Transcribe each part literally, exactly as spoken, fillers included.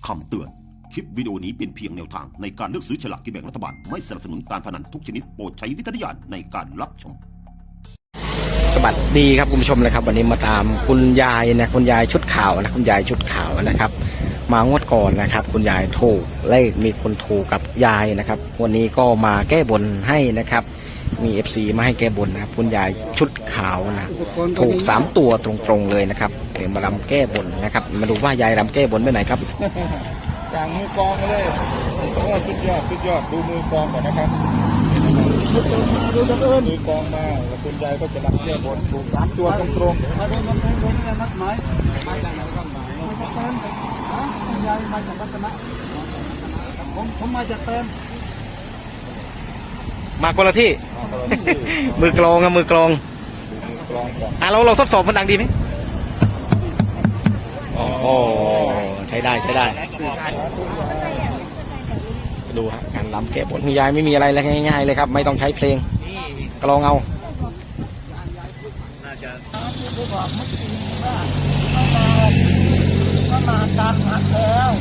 คำเตือนคลิปวิดีโอนี้เป็นเพียงแนวทางในการเลือกซื้อฉลากกินแบ่งรัฐบาลไม่สนับสนุนการพนันทุกชนิดโปรดใช้วิจารณญาณในการรับชมสวัสดีครับคุณผู้ชมนะครับวันนี้มาตามคุณยายนะคุณยายชุดขาวนะคุณยายชุดขาวนะครับมางวดก่อนนะครับคุณยายถูกเลขมีคนถูกกับยายนะครับวันนี้ก็มาแก้บนให้นะครับมี เอฟ ซี มาให้แก้บนนะครับคุณยายชุดขาวนะถูกสามตัวตรงๆเลยนะครับเดี๋ยวมารำแก้บนนะครับมาดูว่ายายรำแก้บนไปไหนครับจากมือกองเลยโอ้สุดยอดสุดยอดดูมือกองก่อนนะครับดูตะเอิญมือกองมาแล้วคุณยายก็จะรำแก้บนถูกสามตัวตรงๆมาดูกำแพงบนนี่นัดหมายมาจากไหนก็หมายมาจากเติมฮะคุณยายมาจากรัตนะผมผมมาจากเติมมาคนละที่ มือกลองครับมือกลองอ่ะเราเราทดสอบมันดังดีไหมโอ้ใช้ได้ใช้ได้ดูฮะการรำแก้บนคุณยายไม่มีอะไรเลยง่ายๆเลยครับไม่ต้องใช้เพลงกลองเอาก็มาตามนัดแล้ว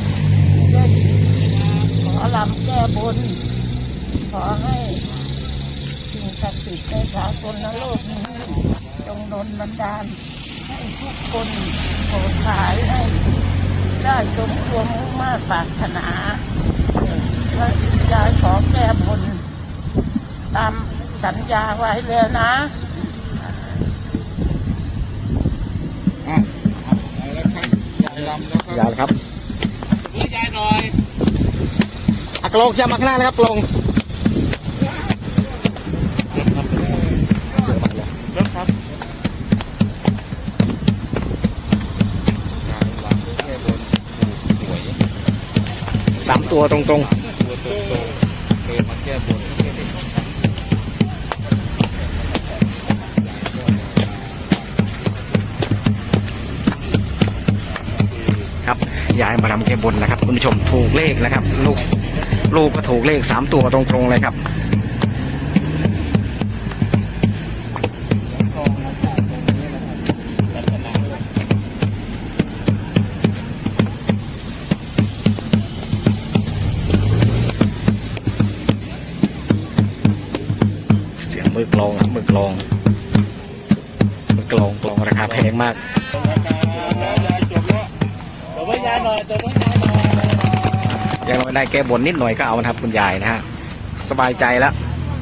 ขอรำแก้บนขอให้สิ่งศักดิ์สิทธิ์ในสากลโลกนี้จงดลบันดาลให้ทุกคนโปรดขายให้ได้สมความมุ่งมา่ปรารถนาและยายขอแก้บนตามสัญญาไว้เลยนะอ่ะแล้วครับยายรำแล้วครับยายครับยายหน่อยอ่ะกลองจะมาข้างหน้านะครับกลองสามตัวตรงๆตัวตรงๆเคยมาแก้บนครับยายมาทำแก้บนนะครับคุณผู้ชมถูกเลขนะครับลูกลูกก็ถูกเลขสามตัวตรงๆเลยครับมือกลองอ่ะมือกลองมือกลองกลองราคาแพงมากตัวไม่ยายหน่อยตัวไม่ยายหน่อยยังไม่ได้แก้บนนิดหน่อยก็เอานะครับคุณยายนะฮะสบายใจแล้ว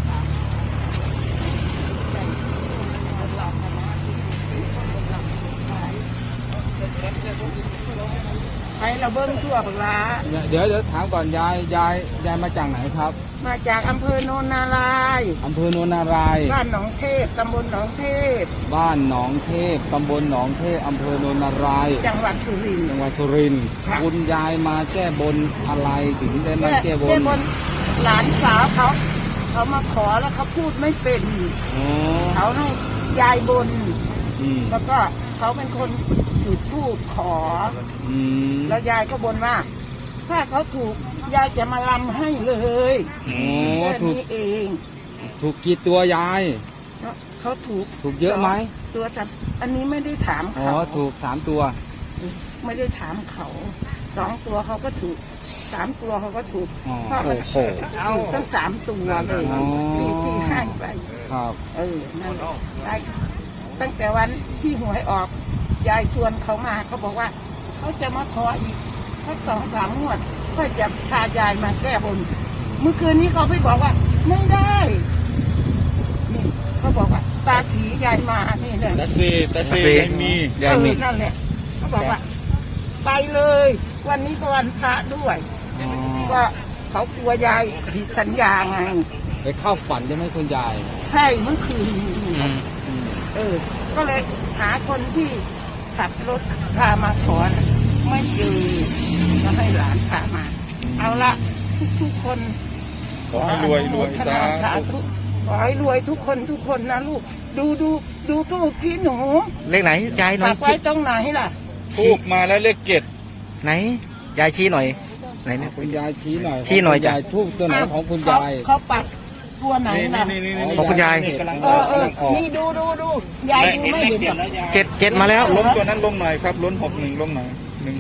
ไปเราเบิ้งทั่วปลาเดี๋ยวเดี๋ยวถามก่อนยายยายยายมาจากไหนครับมาจากอำเภอโนนนารายณ์อำเภอโนนนารายณ์บ้านหนองเทพตำบลหนองเทพบ้านหนองเทพตำบลหนองเทพอำเภอโนนนารายณ์จังหวัดสุรินทร์จังหวัดสุรินทร์คุณยายมาแก้บนอะไรถึงได้มาแก้บนหลานสาวเขาเขามาขอแล้วเขาพูดไม่เป็นเขาให้ยายบนแล้วก็เขาเป็นคนจุดธูปขอแล้วยายก็บนว่าถ้าเขาถูกยายจะมาลำให้เลยแค่นี้เองถูกกี่ตัวยายเขาถูกถูกเยอะไหมตัวจับอันนี้ไม่ได้ถามเขาอ๋อถูกสามตัวไม่ได้ถามเขาสองตัวเขาก็ถูกสามตัวเขาก็ถูกโอ้โหถูกทั้งสามตัวเลยที่ที่ให้ไปครับเออนั่นได้ตั้งแต่วันที่หวยออกยายชวนเขามาเขาบอกว่าเขาจะมาขออีกสักสองสามงวดก็จะพายายมาแก้บนเมื่อคืนนี้เขาไปบอกว่าไม่ได้นี่เขาบอกว่าตาถียายมานี่เลยตาซีตาซียายมียายมีนั่นแหละเขาบอกว่าไปเลยวันนี้ก็วันพระด้วยก็เขากลัวยายผิดสัญญาไงไปเข้าฝันใช่ไหมคุณยายใช่เมื่อคืนเออก็เลยหาคนที่ขับรถพามาขอไม่เจอก็ให้หลานพามาเอาละทุกๆคนขอให้รวยรวยสาธุขอให้รวยทุกคนทุกคนนะลูกดูดูดูทูบที่หนูเลขไหนยายหน่อยปักไว้ตรงไหนล่ะทูบมาแล้วเลขเจ็ดไหนยายชี้หน่อยไหนเนี่ยคุณยายชี้หน่อยชี้หน่อยยายทูบตัวไหนของคุณยายเขาปักตัวไหนนะของคุณยายเออเออนี่ดูดูดูยายดูไม่เห็นเจ็ดเจ็ดมาแล้วล้มตัวนั้นลงหน่อยครับล้นหกหนึ่งลงหน่อยหนึ่งหก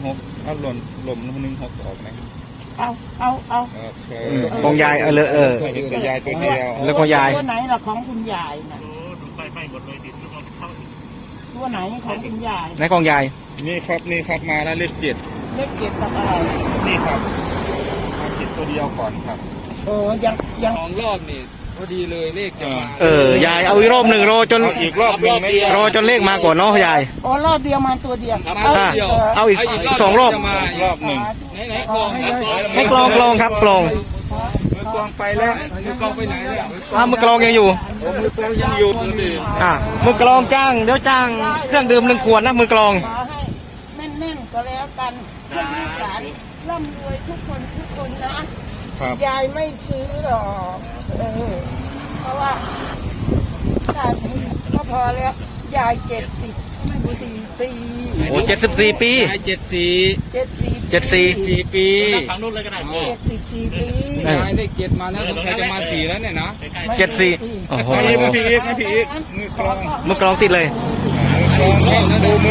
เอาหล่นหล่มหนึ่งหกออกไหมเอาเอาเอาโอเคของยายเออเลอะเออเห็นแต่ยายตัวเดียวแล้วของยายตัวไหนล่ะของคุณยายน่ะตัวไหนของคุณยายไหนของยายนี่ครับนี่ครับมาแล้วเลขเจ็ดเลขเจ็ดกับอะไรนี่ครับมาเจ็ดตัวเดียวก่อนครับโอ้ยังยังสองรอบนี่พอดีเลยเลขจะมาเออยายเอาอีกรอบหนึ่งรอจนเอาอีกรอบหนึ่งไหมรอจนเลขมาก่อนเนาะยายโอ้รอบเดียวมาตัวเดียวครับเอารอบเดียวเอาอีกสองรอบจะมารอบหนึ่งไหนไหนกลองครับให้กลองกลองครับกลองมือกลองไปแล้วมือกลองไปไหนเนี่ยอ้าวมือกลองยังอยู่โอ้มือกลองยังอยู่อ่ามือกลองจ้างเดี๋ยวจ้างเครื่องดื่มหนึ่งขวดนะมือกลองขอให้แม่นๆก็แล้วกันให้ลูกหลานร่ำรวยทุกคนทุกคนนะครับ ยายไม่ซื้อหรอกเออเพราะว่าถ้ามีก็พอแล้วยายเจ็ดสิบสี่ปีโอ้เจ็ดสิบสี่ปียายเจ็ดสี่เจ็ดสี่เจ็ดสี่สี่ปีเจ็ดสิบสี่ปีเออยายเลขเจ็ดมาแล้วสงสัยจะมาสี่แล้วเนี่ยนะเจ็ดสี่โอ้โหมาอีกมาพี่อีกมาพี่อีกมือกลองมือกลองติดเลยมือกลองครับดูมือ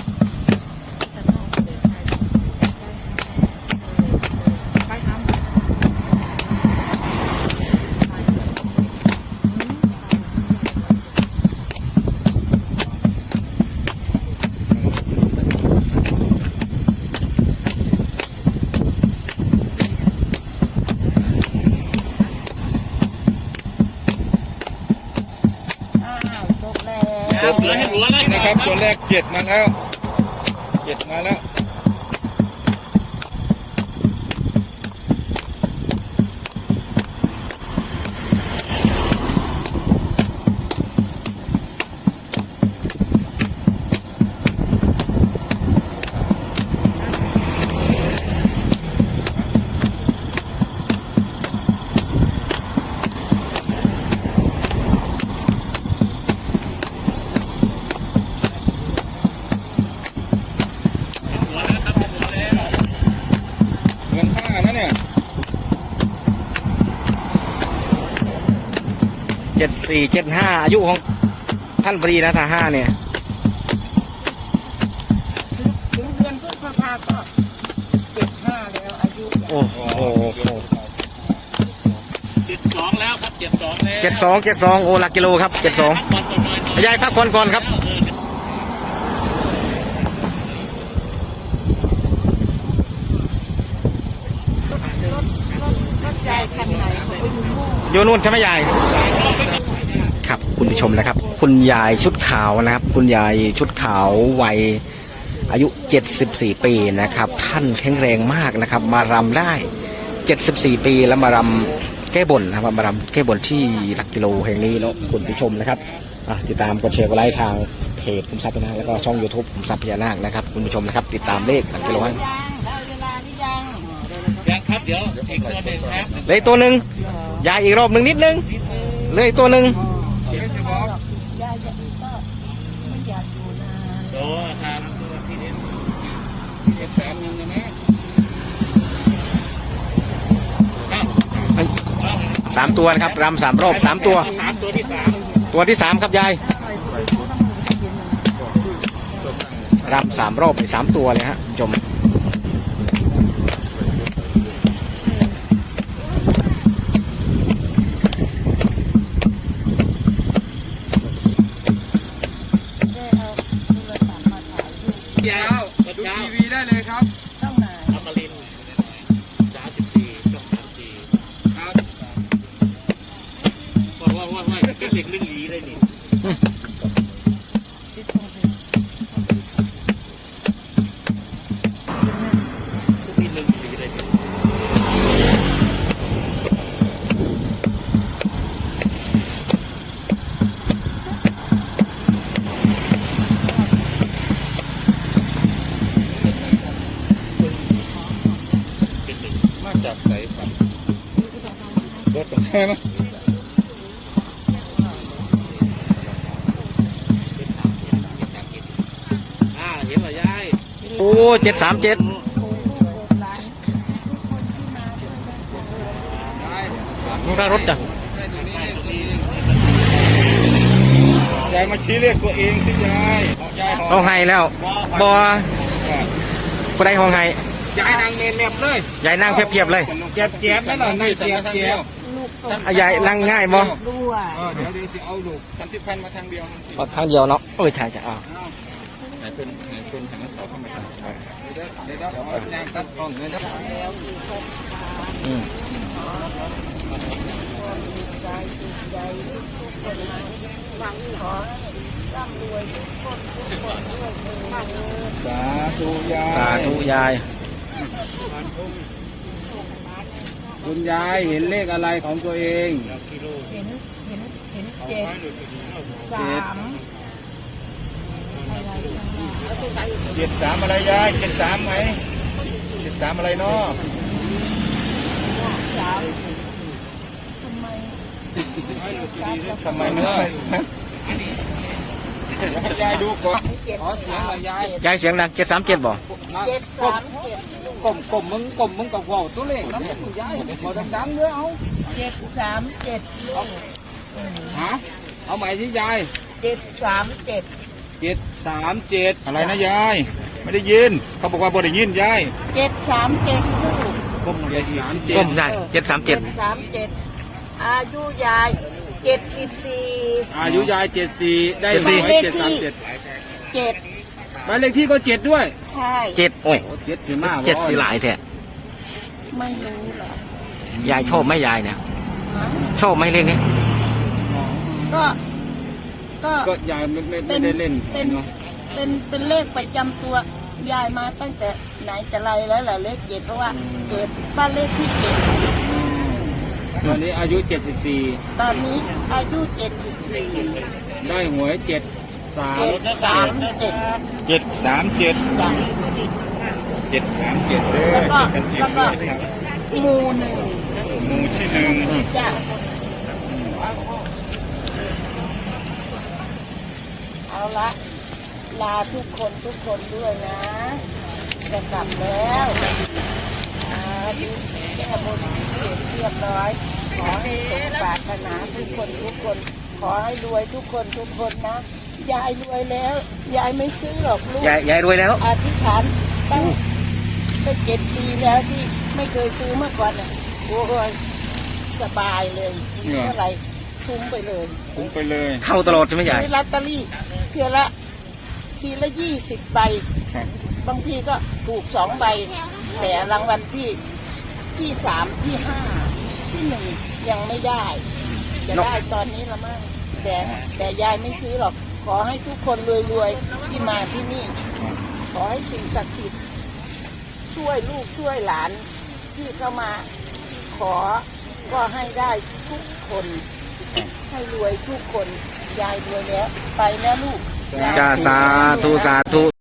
อ้าวจบแล้วจบแล้วนะครับตัวแรกเจ็ดมาแล้วเจ็ดมาแล้ว เงินห้านะเนี่ยเจ็ดสี่เจ็ดห้าอายุของท่านปรีนะถ้าห้าเนี่ยถึงเดือนพฤษภาก็เจ็ดห้าแล้วอายุโอ้โหเจ็ดสองแล้วครับเจ็ดสองแล้วเจ็ดสองเจ็ดสองโอ้หลักกิโลครับเจ็ดสองก่อนก่อนหน่อยหน่อยยายพักก่อนก่อนครับรถยายคันไหนเขาไปดูโม่อยู่นู่นใช่ไหมยายครับคุณผู้ชมนะครับ คุณยายชุดขาวนะครับ คุณยายชุดขาววัยอายุเจ็ดสิบสี่ปีนะครับ ท่านแข็งแรงมากนะครับ มารำได้เจ็ดสิบสี่ปีแล้วมารำแก้บนนะครับมารำแก้บนที่หลักกิโลแห่งนี้เนาะคุณผู้ชมนะครับอ่ะติดตามกดแชร์กดไลค์ทางเพจขุมทรัพย์พญานาคแล้วก็ช่อง YouTube ขุมทรัพย์พญานาคนะครับคุณผู้ชมนะครับติดตามเลขหลักกิโลให้ยังได้เวลาหรือยังยังครับเดี๋ยวอีกตัวหนึ่งครับเลยตัวหนึ่งยายอีกรอบหนึ่งนิดนึงเลยตัวหนึ่งยายจะก็ไม่อยากอยู่นานโอ้ครับที่นี่เจ็ดแสนหนึ่งนะแม่สามตัวนะครับรำสามรอบสามตัวสามตัวที่สามตัวที่สามครับยายรำสามรอบไปสามตัวเลยฮะคุณผู้ชมได้เอาโทรศัพท์มาถ่ายรูปยาเช้าว ดูทีวีได้เลยครับช่องไหนอมรินทร์สามสิบสี่ช่องสามสี่ครับว่าว่าว่าว่าเป็นเหล็กเรื่องลีเลยนี่ที่ช่องไหนทุกทีเรื่องลีเลยนี่เป็นหนึ่งมาจากใสครับรถตรงไหนมั้ยอ่าเห็นเหรอยายโอ้เจ็ดสามเจ็ดโอ้ลูกโบราณทุกคนที่มาช่วยกันปลูกเลยลูกรถจ้ะได้ตัวนี้ได้ตัวนี้ยายมาชี้เลขตัวเองสิยายเอายายหอเอามให้แล้วบอผู้ใดห้องให้ยายนางเนนเน็บเลยยายนั่งเพียบๆเลยเจ็บเจ็บนั่นแหละนี่เจ็บเจ็บลูกตกอ่ะยายนั่งง่ายบ่ด้วยเออเดี๋ยวเดี๋ยวสิเอาลูกสันติพันธ์มาทางเดียวเอาทางเดียวเนาะเออใช่ใช่อ่าไหนเพิ่นไหนเพิ่นหันต่อเข้ามาเดี๋ยวเดี๋ยวเดี๋ยวเอาแนงตัดกล้องเลยนะแล้วอีกคนอืมใจสุขใจทุกคนมาหวังขอให้ร่ำรวยทุกคนทุกคนด้วยเถิดสาธุยายสาธุยายคุณยายเห็นเลขอะไรของตัวเองเห็นเห็นเห็นเจ็ดสามอะไรข้างหน้าเจ็ดสามอะไรยายเจ็ดสามไหมเจ็ดสามอะไรเนาะสามทำไมสามกับทำไมไม่ได้ให้ยายดูก่อนเจ็ดขอเสียงหน่อยยายยายเสียงดังเจ็ดสามเจ็ดบ่มาเจ็ดสามเจ็ดกลมกลมมึงกลมมึงกับว่าวตัวเลขน้ำมันยายพอดังๆด้วยเอาเจ็ดสามเจ็ดลูกฮะเอาใหม่ที่ยายเจ็ดสามเจ็ดเจ็ดสามเจ็ดอะไรนะยายไม่ได้ยินเขาบอกว่าบ่ได้ยินยายเจ็ดสามเจ็ดลูกก้มลงไปอีกสามเจ็ดก้มได้เจ็ดสามเจ็ดสามเจ็ดอายุยายเจ็ดสิบสี่อายุยายเจ็ดสี่ได้หวยเจ็ดสามเจ็ดเจ็ดบ้านเลขที่ก็เจ็ดด้วยใช่เจ็ดโอ้ยโอ้เจ็ดสิมากเจ็ดสีหลายแท้ไม่รู้เหรอยายชอบไหมยายเนี่ยฮะชอบไหมเลขนี้ก็ ก็ก็ยายไม่ไม่เป็ไม่นได้เล่นเป็นเนาะเป็นเป็นเลขประจำตัวยายมาตั้งแต่ไหนแต่ไรแล้วแหละเลขเจ็ดเพราะว่าเกิดบ้านเลขที่เจ็ดตอนนี้อายุเจ็ดสิบสี่ตอนนี้อายุเจ็ดสิบสี่ได้หวยเจ็ดสามเจ็ดสามเจ็ดเจ็ดสามเจ็ดจ้ะเจ็ดสามเจ็ดเด้อแล้วก็เจ็ดกันเองแล้วก็ด้วยนะครับหมู่หนึ่งหมู่ที่หนึ่งจ้ะเอาละลาทุกคนทุกคนด้วยนะจะกลับแล้วอ่าดูแก้บนเสร็จเรียบร้อย ขอให้สมปรารถนาทุกคนทุกคน ขอให้รวยทุกคนทุกคนนะ ยายรวยแล้ว ยายไม่ซื้อหรอกลูกยายยายรวยแล้วอธิษฐานตั้งตั้งเจ็ดปีแล้วที่ไม่เคยซื้อเมื่อก่อนน่ะโอ้ยสบายเลยเท่าไหร่ทุ่มไปเลยคุ้มไปเลยเข้าตลอดใช่ไหมยายซื้อลอตเตอรี่เทียละทีละยี่สิบใบครับบางทีก็ถูกสองใบ แต่รางวัลที่ที่สามที่ห้าที่หนึ่งยังไม่ได้ จะได้ตอนนี้ละมั้งแต่แต่ยายไม่ซื้อหรอก ขอให้ทุกคนรวยๆที่มาที่นี่ ขอให้สิ่งศักดิ์สิทธิ์ช่วยลูกช่วยหลานที่เข้ามา ขอก็ให้ได้ทุกคน ให้รวยทุกคน ยายรวยแล้ว ไปแล้วลูกจ้าสาธุสาธุ